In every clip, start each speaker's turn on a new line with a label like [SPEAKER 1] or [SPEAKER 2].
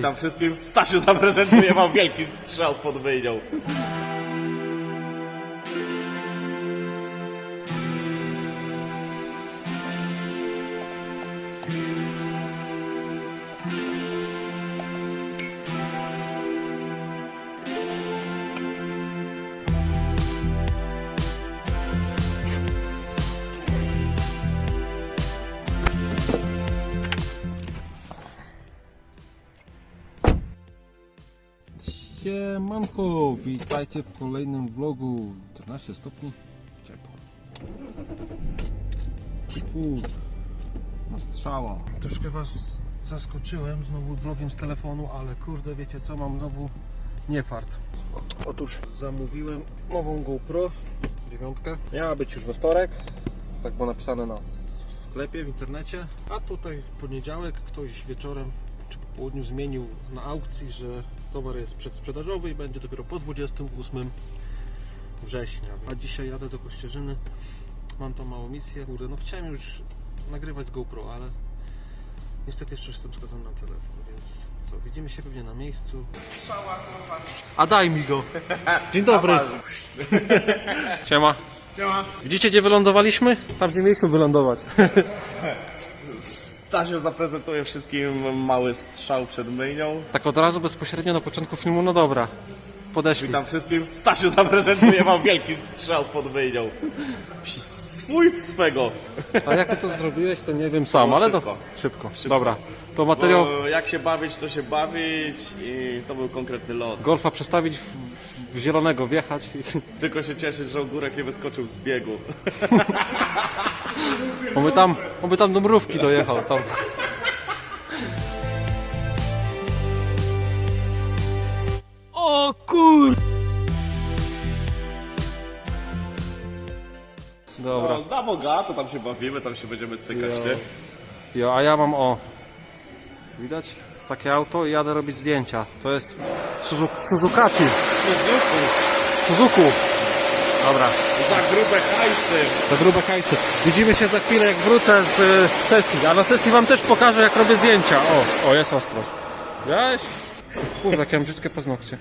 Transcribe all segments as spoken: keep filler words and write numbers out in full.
[SPEAKER 1] Witam wszystkim. Stasiu zaprezentuje wam wielki strzał pod myjnią.
[SPEAKER 2] Siemanko, witajcie w kolejnym vlogu. czternaście stopni, ciepło. Fur, na strzała. Troszkę was zaskoczyłem znowu vlogiem z telefonu, ale kurde, wiecie co, mam znowu nie fart. Otóż zamówiłem nową GoPro dziewiątkę. Miała być już we wtorek, tak było napisane na sklepie w internecie, a tutaj w poniedziałek ktoś wieczorem czy po południu zmienił na aukcji, że towar jest przedsprzedażowy i będzie dopiero po dwudziestego ósmego września. A dzisiaj jadę do Kościerzyny, mam tam małą misję. Kurde, no chciałem już nagrywać z GoPro, ale niestety jeszcze jestem skazany na telefon, więc co, widzimy się pewnie na miejscu. A daj mi go! Dzień dobry! Siema!
[SPEAKER 3] Siema.
[SPEAKER 2] Widzicie, gdzie wylądowaliśmy? Tam, gdzie mieliśmy wylądować.
[SPEAKER 1] Stasiu zaprezentuje wszystkim mały strzał przed myjnią.
[SPEAKER 2] Tak od razu, bezpośrednio na początku filmu, no dobra. Podeszli.
[SPEAKER 1] Witam wszystkim. Stasiu zaprezentuje wam wielki strzał pod myjnią. Swój swego.
[SPEAKER 2] A jak ty to zrobiłeś, to nie wiem sam, ale
[SPEAKER 1] szybko.
[SPEAKER 2] to szybko. Dobra, to materiał
[SPEAKER 1] Bo jak się bawić, to się bawić i to był konkretny lot.
[SPEAKER 2] golfa przestawić w, w zielonego, wjechać. I...
[SPEAKER 1] Tylko się cieszyć, że ogórek nie wyskoczył z biegu.
[SPEAKER 2] Oby tam, oby tam do mrówki dojechał. Tam. O kur... Dobra.
[SPEAKER 1] No, na bogato, tam się bawimy, tam się będziemy cykać, nie?
[SPEAKER 2] Jo, a ja mam o... Widać? Takie auto i jadę robić zdjęcia. To jest Suzu... Suzukaci. Suzuku. Dobra.
[SPEAKER 1] Za grube hajsy.
[SPEAKER 2] Za grube hajsy. Widzimy się za chwilę, jak wrócę z y, sesji. A na sesji wam też pokażę, jak robię zdjęcia. O, o jest ostro. Wiesz? Kurde, jakie mam brzydkie paznokcie.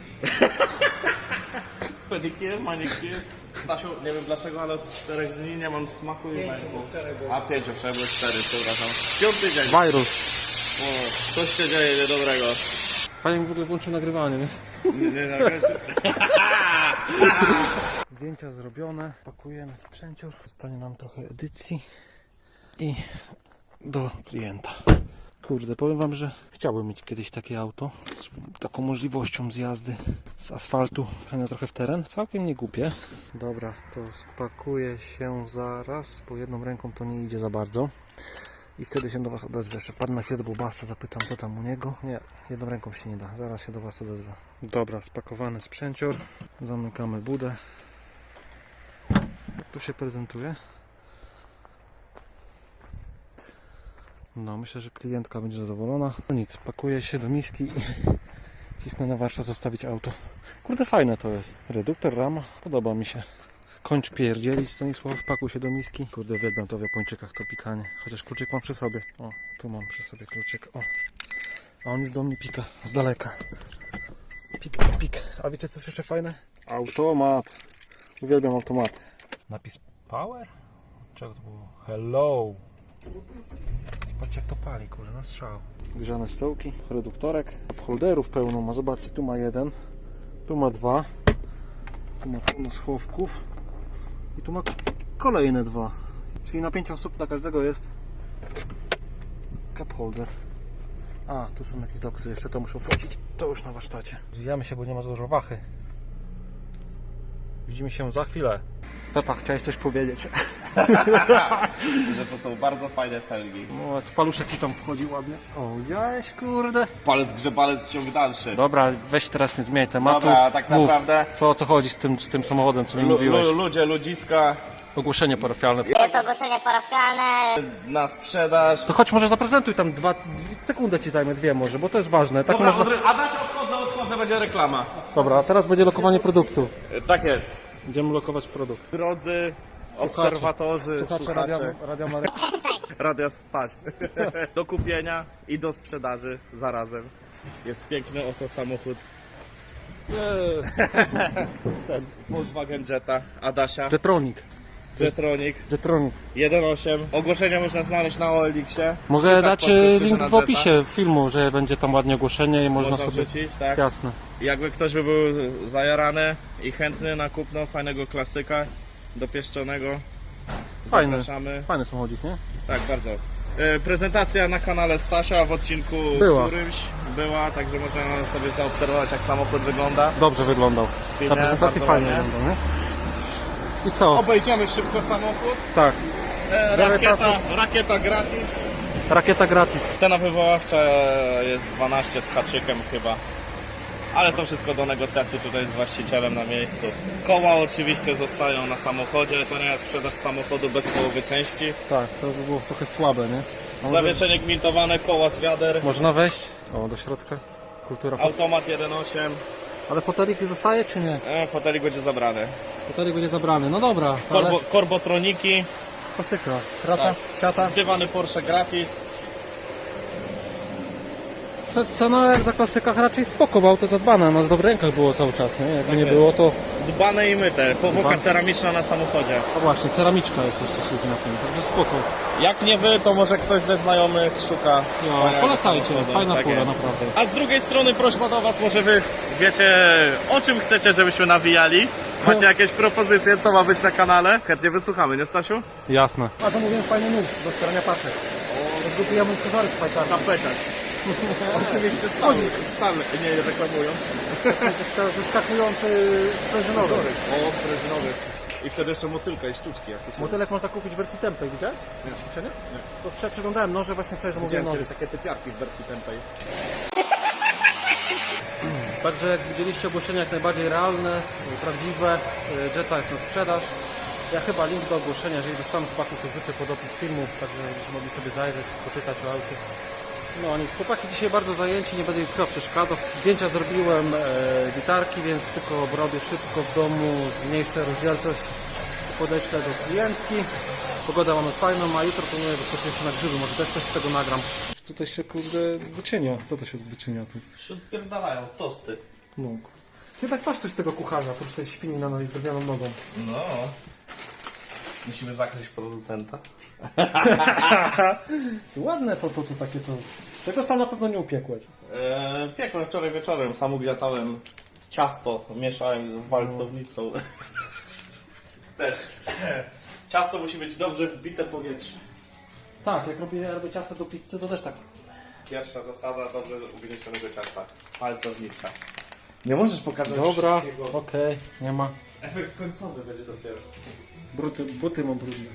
[SPEAKER 1] Pedikier, manikier. Stasiu, nie wiem dlaczego, ale od czterech dni nie mam smaku i węchu. A pięć, wczoraj były cztery, przepraszam. Piąty dzień.
[SPEAKER 2] Wirus.
[SPEAKER 1] O, coś się dzieje niedobrego.
[SPEAKER 2] Fajnie w ogóle włączył nagrywanie, nie?
[SPEAKER 1] Nie, nie, nie.
[SPEAKER 2] Zdjęcia zrobione. Pakujemy sprzęcior. Zostanie nam trochę edycji. I do klienta. Kurde, powiem wam, że chciałbym mieć kiedyś takie auto z taką możliwością zjazdy z asfaltu na trochę w teren. Całkiem nie głupie. Dobra, to spakuję się zaraz, bo jedną ręką to nie idzie za bardzo. I wtedy się do was odezwę. Jeszcze wpadnę na chwilę do Bubasa, zapytam co tam u niego. Nie, jedną ręką się nie da. Zaraz się do was odezwę. Dobra, spakowany sprzęcior. Zamykamy budę. Jak to się prezentuje? No, myślę, że klientka będzie zadowolona. No nic, pakuję się do miski i cisnę na warsztat zostawić auto. Kurde, fajne to jest. Reduktor, rama, podoba mi się. Kończ pierdzielić, Stanisław, pakuj się do miski. Kurde, uwielbiam to w Japończykach, to pikanie. Chociaż kluczyk mam przy sobie. O, tu mam przy sobie kluczyk, o. A on już do mnie pika, z daleka. Pik, pik, pik. A wiecie co jest jeszcze fajne? Automat. Uwielbiam automaty. Napis power? Czego to było? Hello. Zobaczcie jak to pali, kurde, na strzał. Grzane stołki, reduktorek, holderów pełno ma, zobaczcie, tu ma jeden, tu ma dwa, tu ma pełno schowków i tu ma kolejne dwa. Czyli na pięć osób na każdego jest cup holder. A, tu są jakieś doksy, jeszcze to muszę wrócić, to już na warsztacie. Zwijamy się, bo nie ma za dużo wachy. Widzimy się za chwilę. Pepa, chciałeś coś powiedzieć?
[SPEAKER 1] Że to są bardzo fajne felgi.
[SPEAKER 2] No, paluszek ci tam wchodzi ładnie. O, widziałeś, kurde.
[SPEAKER 1] Palec grzebalec, ciąg dalszy.
[SPEAKER 2] Dobra, weź teraz nie zmieniaj tematu.
[SPEAKER 1] Dobra, tak
[SPEAKER 2] Mów,
[SPEAKER 1] naprawdę-
[SPEAKER 2] co, o co chodzi z tym, z tym samochodem, co mi
[SPEAKER 1] Lu,
[SPEAKER 2] mówiłeś?
[SPEAKER 1] lu, ludzie, ludziska
[SPEAKER 2] Ogłoszenie parafialne.
[SPEAKER 4] Jest ogłoszenie parafialne.
[SPEAKER 1] na sprzedaż.
[SPEAKER 2] To chodź, może zaprezentuj tam dwa, dwie sekundy ci zajmę, dwie może, bo to jest ważne. Tak
[SPEAKER 1] Dobra,
[SPEAKER 2] można...
[SPEAKER 1] odry... Adaś, odchodzę, odchodzę, będzie reklama.
[SPEAKER 2] Dobra, a teraz będzie lokowanie produktu.
[SPEAKER 1] E, Tak jest.
[SPEAKER 2] Będziemy lokować produkt.
[SPEAKER 1] Drodzy, obserwatorzy,
[SPEAKER 2] Słuchacze,
[SPEAKER 1] słuchacze,
[SPEAKER 2] radia, radia Mary...
[SPEAKER 1] Radia Stać. Do kupienia i do sprzedaży zarazem. Jest piękny oto samochód. Ten Volkswagen Jetta, Adasia,
[SPEAKER 2] Jetronic.
[SPEAKER 1] Jetronic
[SPEAKER 2] Jetronic.
[SPEAKER 1] jeden osiem. Ogłoszenia można znaleźć na O L X-ie.
[SPEAKER 2] Mogę
[SPEAKER 1] Szukać
[SPEAKER 2] dać
[SPEAKER 1] po prostu
[SPEAKER 2] e, link
[SPEAKER 1] na
[SPEAKER 2] w
[SPEAKER 1] Jetta.
[SPEAKER 2] opisie filmu, że będzie tam ładnie ogłoszenie i można,
[SPEAKER 1] Można
[SPEAKER 2] sobie...
[SPEAKER 1] wrzucić, tak?
[SPEAKER 2] Jasne.
[SPEAKER 1] Jakby ktoś by był zajarany i chętny na kupno fajnego klasyka dopieszczonego,
[SPEAKER 2] Fajny.
[SPEAKER 1] zapraszamy.
[SPEAKER 2] Fajny samochodzik, nie?
[SPEAKER 1] Tak, bardzo. E, Prezentacja na kanale Stasia w odcinku
[SPEAKER 2] Była.
[SPEAKER 1] którymś była, także można sobie zaobserwować, jak samochód wygląda.
[SPEAKER 2] Dobrze wyglądał.
[SPEAKER 1] Filmie,
[SPEAKER 2] Ta prezentacja
[SPEAKER 1] bardzo
[SPEAKER 2] fajnie
[SPEAKER 1] ładnie.
[SPEAKER 2] wygląda, nie? I co?
[SPEAKER 1] Obejdziemy szybko samochód.
[SPEAKER 2] Tak.
[SPEAKER 1] E, Rakieta, rakieta gratis.
[SPEAKER 2] Rakieta gratis.
[SPEAKER 1] Cena wywoławcza jest dwanaście z haczykiem chyba. Ale to wszystko do negocjacji tutaj z właścicielem na miejscu. Koła oczywiście zostają na samochodzie, to nie jest sprzedaż samochodu bez połowy części.
[SPEAKER 2] Tak, to by było trochę słabe, nie? A może...
[SPEAKER 1] Zawieszenie gmintowane, koła z wiader,
[SPEAKER 2] Można wejść? O, do środka. Kultura.
[SPEAKER 1] automat jeden osiem.
[SPEAKER 2] Ale fotelik zostaje czy nie?
[SPEAKER 1] E, fotelik będzie zabrany.
[SPEAKER 2] Fotelik będzie zabrany. No dobra, ale
[SPEAKER 1] Korbo, korbotroniki,
[SPEAKER 2] klasyka. Krata,
[SPEAKER 1] Tak.
[SPEAKER 2] siata.
[SPEAKER 1] dywany Porsche gratis.
[SPEAKER 2] Ce- Cena jak za klasykach raczej spoko, bo auto zadbane. No w dobrych rękach było cały czas, nie? Jakby nie
[SPEAKER 1] jest.
[SPEAKER 2] było to...
[SPEAKER 1] Dbane i myte, powłoka
[SPEAKER 2] Dbane.
[SPEAKER 1] ceramiczna na samochodzie.
[SPEAKER 2] No właśnie, ceramiczka jest jeszcze śledzi na tym, także spoko.
[SPEAKER 1] Jak nie wy, to może ktoś ze znajomych szuka.
[SPEAKER 2] No,
[SPEAKER 1] wspaniałego
[SPEAKER 2] polecajcie,
[SPEAKER 1] samochodu.
[SPEAKER 2] fajna
[SPEAKER 1] Tak
[SPEAKER 2] fura,
[SPEAKER 1] jest.
[SPEAKER 2] naprawdę.
[SPEAKER 1] A z drugiej strony prośba do was, może wy wiecie, o czym chcecie, żebyśmy nawijali? Macie jakieś propozycje, co ma być na kanale? Chętnie wysłuchamy, nie Stasiu?
[SPEAKER 2] Jasne. A zamówiłem fajny nóż do wspierania paczek. Zgotujemy cezary szwajcarskie.
[SPEAKER 1] Zapeczać. Oczywiście stały, stały, nie reklamując.
[SPEAKER 2] Wyskakujący sprężynowy.
[SPEAKER 1] O, sprężynowy. I wtedy jeszcze motylka i sztuczki jakieś.
[SPEAKER 2] Motylek można kupić w wersji tempej, widziałeś? Nie. Ćwiczenie? Nie. To wczoraj przeglądałem noże, właśnie wczoraj zamówiłem
[SPEAKER 1] Widziałem
[SPEAKER 2] noże.
[SPEAKER 1] kiedyś takie typiarki w wersji tempej.
[SPEAKER 2] Także jak widzieliście, ogłoszenia jak najbardziej realne, prawdziwe. Jetta jest na sprzedaż. Ja chyba link do ogłoszenia, jeżeli dostanę chłopaków, to wrzucę pod opis filmu, także żebyście mogli sobie zajrzeć, poczytać o aucie. No nic, chłopaki dzisiaj bardzo zajęci, nie będę ich chyba przeszkadzał. Zdjęcia zrobiłem e, gitarki, więc tylko obrobię szybko w domu, zmniejszę rozdzielczość, podeślę do klientki. Pogoda mamy fajną, a jutro planuję wyskoczyć się na grzyby, może też coś z tego nagram. Tutaj się kurde wyczynia, co to się wyczynia tu?
[SPEAKER 1] Wśród pierdalają, tosty.
[SPEAKER 2] No. Ty tak masz coś z tego kucharza, oprócz tej świni na nogi z drewnianą nogą.
[SPEAKER 1] No. Musimy zakryć producenta.
[SPEAKER 2] Ładne to, to, to takie to. Tego sam na pewno nie upiekłeś.
[SPEAKER 1] Eee, piekłem wczoraj wieczorem, sam ugniatałem ciasto, mieszałem z walcownicą. Też. Ciasto musi być dobrze wbite powietrze.
[SPEAKER 2] Tak, jak robię, robię ciasto do pizzy, to też tak.
[SPEAKER 1] Pierwsza zasada dobrze ugniecionego ciasta. Palcownica. Nie możesz pokazać
[SPEAKER 2] Dobra,
[SPEAKER 1] wszystkiego.
[SPEAKER 2] okej, nie ma.
[SPEAKER 1] Efekt końcowy będzie dopiero.
[SPEAKER 2] Buty, buty mam brudne.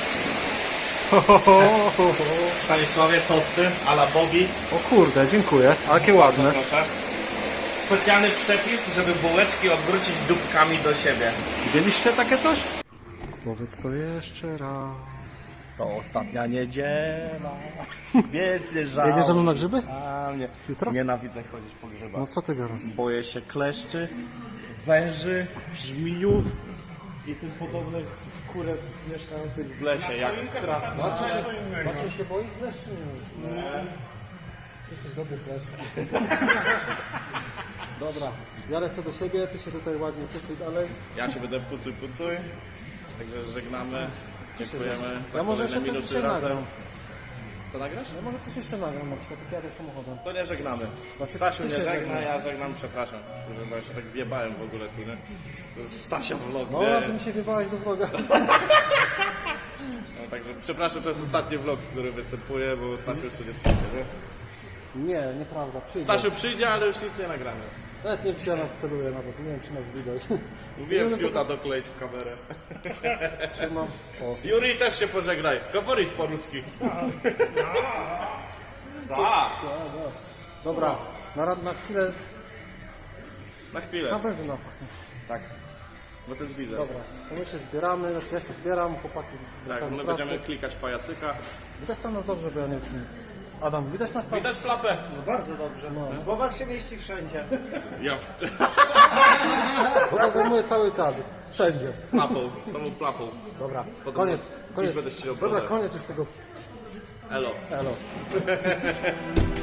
[SPEAKER 1] W Stanisławie tosty a la Bobby.
[SPEAKER 2] O kurde, dziękuję. A jakie ładne.
[SPEAKER 1] Proszę. Specjalny przepis, żeby bułeczki odwrócić dupkami do siebie.
[SPEAKER 2] Widzieliście takie coś? Powiedz to jeszcze raz.
[SPEAKER 1] To ostatnia niedziela, więc nie żałuj.
[SPEAKER 2] Jedziesz ze mną na grzyby?
[SPEAKER 1] A nie.
[SPEAKER 2] Jutro?
[SPEAKER 1] Nienawidzę chodzić po grzybach.
[SPEAKER 2] No co ty gadasz?
[SPEAKER 1] Boję się kleszczy, węży, żmijów i tym podobnych kurestw mieszkających w lesie, jak krasna.
[SPEAKER 2] Macie się boi kleszczy? Nie. Jesteś dobry kleszcz. Dobra, ja lecę do siebie, ty się tutaj ładnie pucuj dalej.
[SPEAKER 1] Ja się będę pucuj pucuj, także żegnamy, dziękujemy za
[SPEAKER 2] Ja może jeszcze
[SPEAKER 1] kolejne
[SPEAKER 2] coś
[SPEAKER 1] minuty
[SPEAKER 2] dzisiaj
[SPEAKER 1] razem.
[SPEAKER 2] nagram.
[SPEAKER 1] Co nagrasz?
[SPEAKER 2] Ja może coś jeszcze nagram, na przykład jak jadę samochodem.
[SPEAKER 1] To nie żegnamy.
[SPEAKER 2] Znaczy,
[SPEAKER 1] Stasiu
[SPEAKER 2] ty
[SPEAKER 1] nie
[SPEAKER 2] się
[SPEAKER 1] żegna,
[SPEAKER 2] żegnaj.
[SPEAKER 1] ja żegnam, przepraszam. Bo ja się tak zjebałem w ogóle tu, nie? To jest Stasia vlog,
[SPEAKER 2] No
[SPEAKER 1] nie?
[SPEAKER 2] raz mi się wybałeś do vloga.
[SPEAKER 1] No, także przepraszam, to jest ostatni vlog, w którym występuję, bo Stasiu już sobie przyjdzie, nie?
[SPEAKER 2] Nie, nieprawda, przyjdę.
[SPEAKER 1] Stasiu przyjdzie, ale już nic nie nagramy.
[SPEAKER 2] Nawet nie wiem, czy ja nas celuję nawet, nie wiem, czy nas widać.
[SPEAKER 1] Mówiłem
[SPEAKER 2] No, no to-
[SPEAKER 1] fiuta dokleić w kamerę.
[SPEAKER 2] Trzymam. O,
[SPEAKER 1] Juri też się pożegnaj. Говорить po-ruski. Da.
[SPEAKER 2] dobra, na, ra- na chwilę
[SPEAKER 1] Na chwilę.
[SPEAKER 2] na benzyna pachnie.
[SPEAKER 1] Tak. Bo to jest biznes.
[SPEAKER 2] Dobra, to my się zbieramy, znaczy ja się zbieram, chłopaki
[SPEAKER 1] Tak,
[SPEAKER 2] wracają
[SPEAKER 1] my
[SPEAKER 2] do pracy.
[SPEAKER 1] będziemy klikać pajacyka.
[SPEAKER 2] Widać tam nas dobrze, bo ja nie wiem. Adam, widać nas tam?
[SPEAKER 1] Widać klapę.
[SPEAKER 3] Bardzo dobrze, bo was się mieści wszędzie.
[SPEAKER 1] Ja w...
[SPEAKER 2] Bo zajmuje cały kadr. Wszędzie.
[SPEAKER 1] klapą, samą klapą.
[SPEAKER 2] Dobra,
[SPEAKER 1] Podobno
[SPEAKER 2] koniec.
[SPEAKER 1] dziś
[SPEAKER 2] koniec.
[SPEAKER 1] będę ściął
[SPEAKER 2] Dobra,
[SPEAKER 1] brodę.
[SPEAKER 2] koniec już tego.
[SPEAKER 1] Elo.
[SPEAKER 2] Elo.